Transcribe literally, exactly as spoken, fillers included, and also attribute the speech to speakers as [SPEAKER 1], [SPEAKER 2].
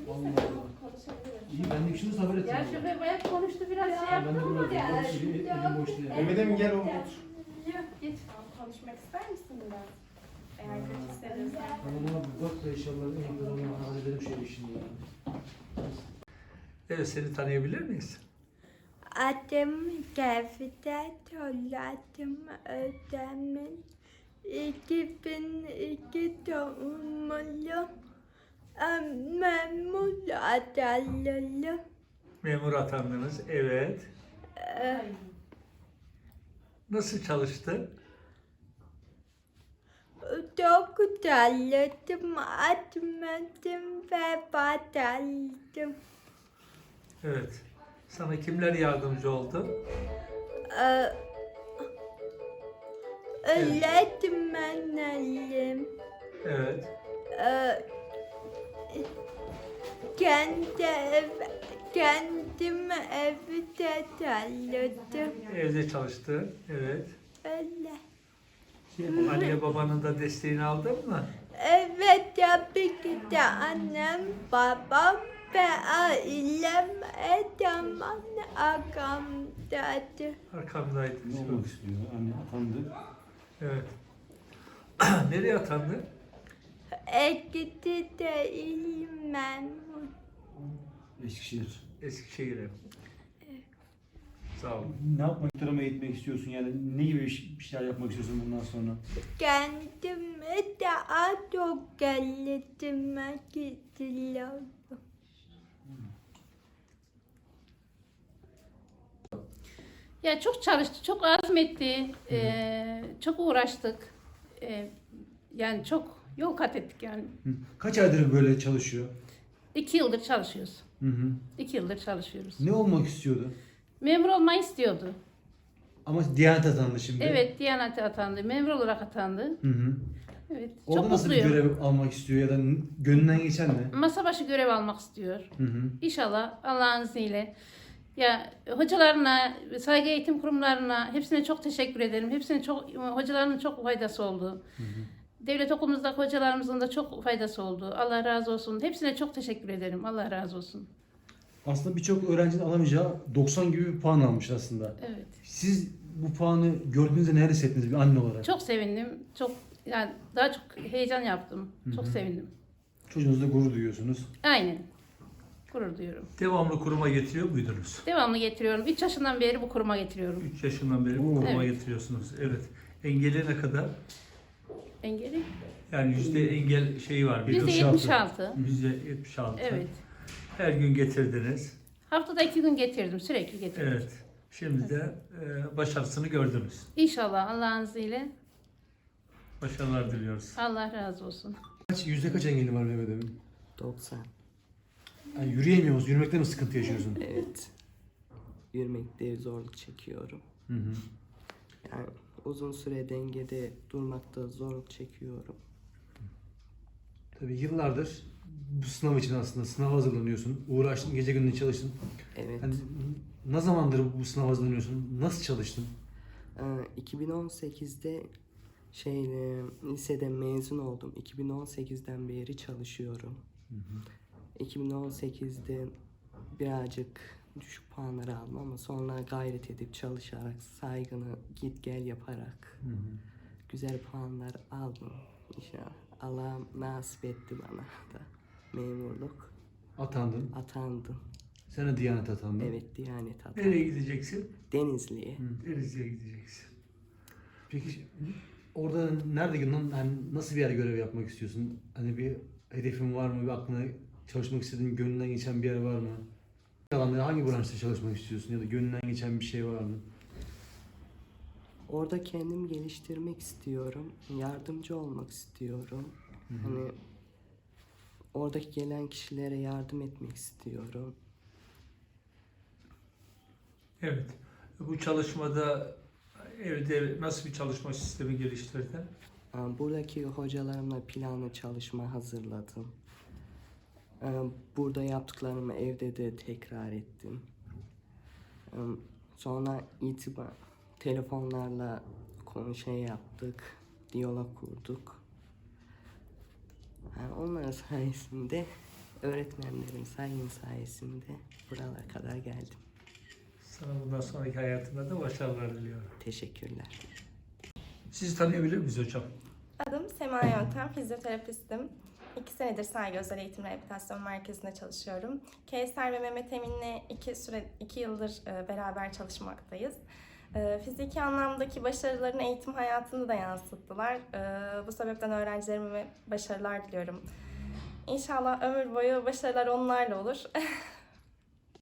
[SPEAKER 1] Allah Allah. İyi, ben de işiniz haber ettim.
[SPEAKER 2] Ya şoför bayağı konuştu biraz şey
[SPEAKER 1] Ben de
[SPEAKER 2] yaptı ama
[SPEAKER 1] burada
[SPEAKER 2] ya.
[SPEAKER 1] elim boş değil.
[SPEAKER 3] Mehmet'e mi gel oğlum?
[SPEAKER 2] Yok geç konuşmak ister misin biraz? Eğer kötü hissediyorsan.
[SPEAKER 1] Bana bir bak da inşallah en yakın zamanda halledelim şöyle işini ya.
[SPEAKER 4] Evet, seni tanıyabilir miyiz?
[SPEAKER 5] Adım Gevdet, soyadım Özdemir. iki bin iki doğumluyum. Em, Memur adayıyım.
[SPEAKER 4] Memur atandınız, evet.
[SPEAKER 5] Ee,
[SPEAKER 4] Nasıl çalıştı?
[SPEAKER 5] Çok çalıştım, atmadım ve başardım.
[SPEAKER 4] Evet. Sana kimler yardımcı oldu?
[SPEAKER 5] Ee, Öğretmenlerim.
[SPEAKER 4] Evet.
[SPEAKER 5] Ee, kendi ev, kendim evde çalıştım.
[SPEAKER 4] Evde çalıştı, evet.
[SPEAKER 5] Öyle.
[SPEAKER 4] Anne babanın da desteğini aldın mı?
[SPEAKER 5] Evet, tabii ki de annem, babam ve ailem her zaman arkamdadır.
[SPEAKER 4] Arkamdaydı.
[SPEAKER 1] Ne olmak istiyor? Anne atandı.
[SPEAKER 4] Evet. Nereye atandı?
[SPEAKER 5] Ekiti değilim memur.
[SPEAKER 1] Eskişehir.
[SPEAKER 4] Eskişehir'e. Sağ ol.
[SPEAKER 1] Ne yapmak, muhtarama eğitmek istiyorsun yani? Ne gibi iş- bir şeyler yapmak istiyorsun bundan sonra?
[SPEAKER 5] Kendimi daha çok geliştirmek istiyorum.
[SPEAKER 2] Ya çok çalıştı, çok azmetti, eee, çok uğraştık. Eee, yani çok yol kat ettik yani.
[SPEAKER 1] Hı. Kaç aydır böyle çalışıyor?
[SPEAKER 2] İki yıldır çalışıyoruz.
[SPEAKER 1] Hı hı.
[SPEAKER 2] İki yıldır çalışıyoruz.
[SPEAKER 1] Ne olmak istiyordu?
[SPEAKER 2] Memur olmayı istiyordu.
[SPEAKER 1] Ama Diyanet atandı şimdi.
[SPEAKER 2] Evet, Diyanet'e atandı, memur olarak atandı.
[SPEAKER 1] Hı hı.
[SPEAKER 2] Evet,
[SPEAKER 1] Orada
[SPEAKER 2] çok
[SPEAKER 1] nasıl bir
[SPEAKER 2] mutluyum.
[SPEAKER 1] görev almak istiyor ya da n- gönlünden geçen ne?
[SPEAKER 2] Masa başı görev almak istiyor.
[SPEAKER 1] Hı hı.
[SPEAKER 2] İnşallah Allah'ın izniyle. Ya hocalarına, saygı eğitim kurumlarına hepsine çok teşekkür ederim. Hepsine çok, hocalarının çok faydası oldu. Devlet okulumuzdaki hocalarımızın da çok faydası oldu. Allah razı olsun. Hepsine çok teşekkür ederim. Allah razı olsun.
[SPEAKER 1] Aslında birçok öğrencinin alamayacağı doksan gibi bir puan almış aslında.
[SPEAKER 2] Evet.
[SPEAKER 1] Siz bu puanı gördüğünüzde neler hissettiniz bir anne olarak?
[SPEAKER 2] Çok sevindim. Çok yani daha çok heyecan yaptım. Çok
[SPEAKER 1] Hı hı.
[SPEAKER 2] sevindim.
[SPEAKER 1] Çocuğunuzla gurur duyuyorsunuz.
[SPEAKER 2] Aynen. Gurur duyuyorum.
[SPEAKER 4] Devamlı kuruma getiriyor muydunuz?
[SPEAKER 2] Devamlı getiriyorum. üç yaşından beri bu kuruma getiriyorum.
[SPEAKER 4] üç yaşından beri bu
[SPEAKER 1] Oo.
[SPEAKER 4] kuruma
[SPEAKER 2] Evet.
[SPEAKER 4] getiriyorsunuz. Evet. Engeli ne kadar?
[SPEAKER 2] Engeli.
[SPEAKER 4] Yani yüzde engel şeyi var. bir
[SPEAKER 2] yüzde yetmiş altı.
[SPEAKER 4] Yüzde yetmiş altı.
[SPEAKER 2] Evet.
[SPEAKER 4] Her gün getirdiniz.
[SPEAKER 2] Haftada iki gün getirdim. Sürekli getirdim.
[SPEAKER 4] Evet. Şimdi de e, başarısını gördünüz.
[SPEAKER 2] İnşallah Allah'ın izniyle.
[SPEAKER 4] Başarılar diliyoruz.
[SPEAKER 2] Allah razı olsun.
[SPEAKER 1] Kaç, yüzde kaç engeli var Mehmet Emin?
[SPEAKER 6] doksan.
[SPEAKER 1] Yani yürüyemiyor musun? Yürümekte mi sıkıntı yaşıyorsun?
[SPEAKER 6] Evet. Yürümekte zorluk çekiyorum.
[SPEAKER 1] Hı hı.
[SPEAKER 6] Yani uzun süre dengede durmakta zorluk çekiyorum.
[SPEAKER 1] Tabii yıllardır bu sınav için aslında sınava hazırlanıyorsun. Uğraştın, gece gündüz çalıştın.
[SPEAKER 6] Evet.
[SPEAKER 1] Hani ne zamandır bu sınava hazırlanıyorsun? Nasıl çalıştın?
[SPEAKER 6] Ee, iki bin on sekizde şey e, liseden mezun oldum. iki bin on sekizden beri çalışıyorum. iki bin on sekizde birazcık düşük puanlar aldım ama sonra gayret edip çalışarak, saygını git gel yaparak güzel puanlar aldım. İnşallah Allah nasip etti bana da memurluk.
[SPEAKER 1] Atandın.
[SPEAKER 6] Atandım.
[SPEAKER 1] Sen de Diyanet atandın.
[SPEAKER 6] Evet, Diyanet atandım.
[SPEAKER 4] Nereye gideceksin?
[SPEAKER 6] Denizli'ye.
[SPEAKER 4] Denizli'ye gideceksin.
[SPEAKER 1] Peki orada nerede yani nasıl bir yer görev yapmak istiyorsun? Hani bir hedefin var mı? Bir aklına çalışmak istediğin, gönlünden geçen bir yer var mı? Alanda hangi branşta çalışmak istiyorsun ya da gönlünden geçen bir şey var mı?
[SPEAKER 6] Orada kendimi geliştirmek istiyorum. Yardımcı olmak istiyorum. Hani oradaki gelen kişilere yardım etmek istiyorum.
[SPEAKER 4] Evet. Bu çalışmada evde nasıl bir çalışma sistemi geliştirdin?
[SPEAKER 6] Ee, Buradaki hocalarımla planlı çalışma hazırladım. Ee, Burada yaptıklarımı evde de tekrar ettim. Ee, Sonra itibar telefonlarla konu şey yaptık, diyalog kurduk. Yani onlar sayesinde öğretmenlerim sayın sayesinde buralara kadar geldim.
[SPEAKER 4] Sana bundan sonraki hayatında da başarılar diliyorum.
[SPEAKER 6] Teşekkürler.
[SPEAKER 4] Sizi tanıyabilir miyiz hocam?
[SPEAKER 3] Adım Sema Yöntem, fizyoterapistim. İki senedir Saygı Özel Eğitim Rehabilitasyon Merkezi'nde çalışıyorum. Kevser ve Mehmet Emin'le iki, süre, iki yıldır e, beraber çalışmaktayız. E, fiziki anlamdaki başarılarını eğitim hayatında da yansıttılar. E, bu sebepten öğrencilerime başarılar diliyorum. İnşallah ömür boyu başarılar onlarla olur.